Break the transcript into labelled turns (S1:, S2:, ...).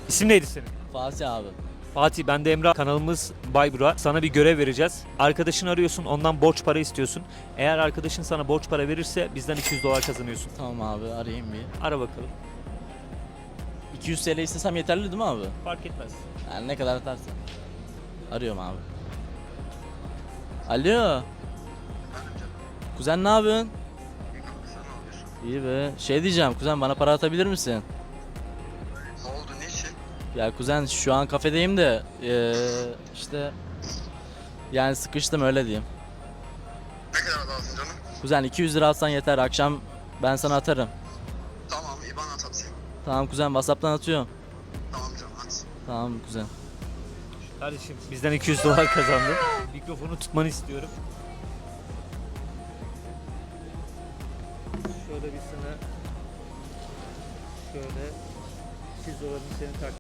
S1: İsim neydi senin?
S2: Fatih abi.
S1: Fatih, ben de Emrah. Kanalımız Baybura. Sana bir görev vereceğiz. Arkadaşını arıyorsun, ondan borç para istiyorsun. Eğer arkadaşın sana borç para verirse bizden $200 kazanıyorsun.
S2: Tamam abi, arayayım bir.
S1: Ara bakalım.
S2: 200 TL istesem yeterli değil mi abi?
S1: Fark etmez.
S2: Yani ne kadar atarsan. Arıyorum abi. Alo. Kuzen ne yapıyorsun? İyi be. Şey diyeceğim kuzen, bana para atabilir misin?
S3: Ne oldu, ne için?
S2: Ya kuzen, şu an kafedeyim de işte yani sıkıştım, öyle diyeyim.
S3: Ne kadar lazım canım?
S2: Kuzen 200 lira atsan yeter, akşam ben sana atarım.
S3: Tamam, IBAN at atayım.
S2: Tamam kuzen, WhatsApp'tan atıyorum.
S3: Tamam canım, hadi.
S2: Tamam kuzen.
S1: Kardeşim, bizden $200 kazandın. Mikrofonu tutmanı istiyorum. Şöyle bir sana şöyle $200'ını senin